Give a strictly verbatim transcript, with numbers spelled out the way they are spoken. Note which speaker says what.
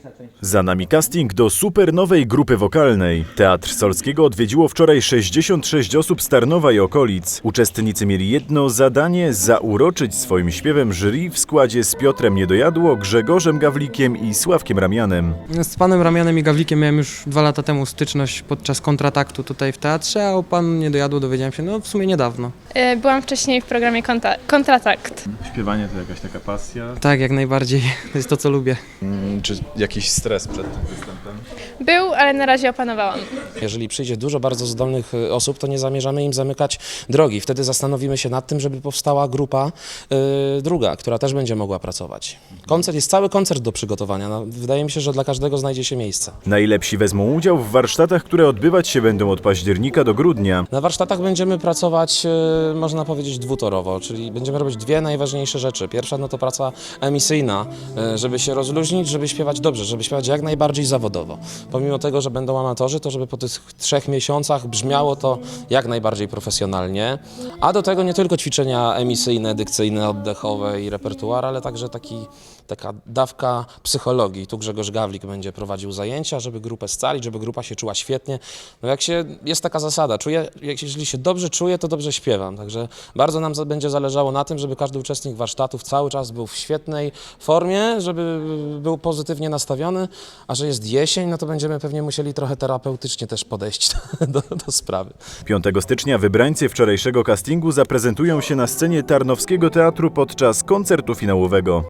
Speaker 1: Za nami casting do super nowej grupy wokalnej. Teatr Solskiego odwiedziło wczoraj sześćdziesiąt sześć osób z Tarnowa i okolic. Uczestnicy mieli jedno zadanie: zauroczyć swoim śpiewem jury w składzie z Piotrem Niedojadło, Grzegorzem Gawlikiem i Sławkiem Ramianem.
Speaker 2: Z panem Ramianem i Gawlikiem miałem już dwa lata temu styczność podczas kontrataktu tutaj w teatrze, a o panu Niedojadło dowiedziałem się no w sumie niedawno.
Speaker 3: Byłam wcześniej w programie konta- Kontratakt.
Speaker 4: Śpiewanie to jakaś taka pasja?
Speaker 2: Tak, jak najbardziej. To jest to, co lubię.
Speaker 4: Czy jakiś stres przed tym występem?
Speaker 3: Był, ale na razie opanowałam.
Speaker 5: Jeżeli przyjdzie dużo bardzo zdolnych y, osób, to nie zamierzamy im zamykać drogi. Wtedy zastanowimy się nad tym, żeby powstała grupa y, druga, która też będzie mogła pracować. Koncert, jest cały koncert do przygotowania. No, wydaje mi się, że dla każdego znajdzie się miejsce.
Speaker 1: Najlepsi wezmą udział w warsztatach, które odbywać się będą od października do grudnia.
Speaker 5: Na warsztatach będziemy pracować, y, można powiedzieć, dwutorowo, czyli będziemy robić dwie najważniejsze rzeczy. Pierwsza no to praca emisyjna, y, żeby się rozluźnić, żeby śpiewać dobrze, żeby śpiewać jak najbardziej zawodowo. Pomimo tego, że będą amatorzy, to żeby po tych trzech miesiącach brzmiało to jak najbardziej profesjonalnie. A do tego nie tylko ćwiczenia emisyjne, dykcyjne, oddechowe i repertuar, ale także taki, taka dawka psychologii. Tu Grzegorz Gawlik będzie prowadził zajęcia, żeby grupę scalić, żeby grupa się czuła świetnie. No jak się, jest taka zasada, czuję, jak, jeżeli się dobrze czuję, to dobrze śpiewam. Także bardzo nam za, będzie zależało na tym, żeby każdy uczestnik warsztatów cały czas był w świetnej formie, żeby był pozytywnie nastawiony, a że jest jesień, no to będziemy pewnie musieli trochę terapeutycznie też podejść do, do sprawy.
Speaker 1: piątego stycznia wybrańcy wczorajszego castingu zaprezentują się na scenie Tarnowskiego Teatru podczas koncertu finałowego.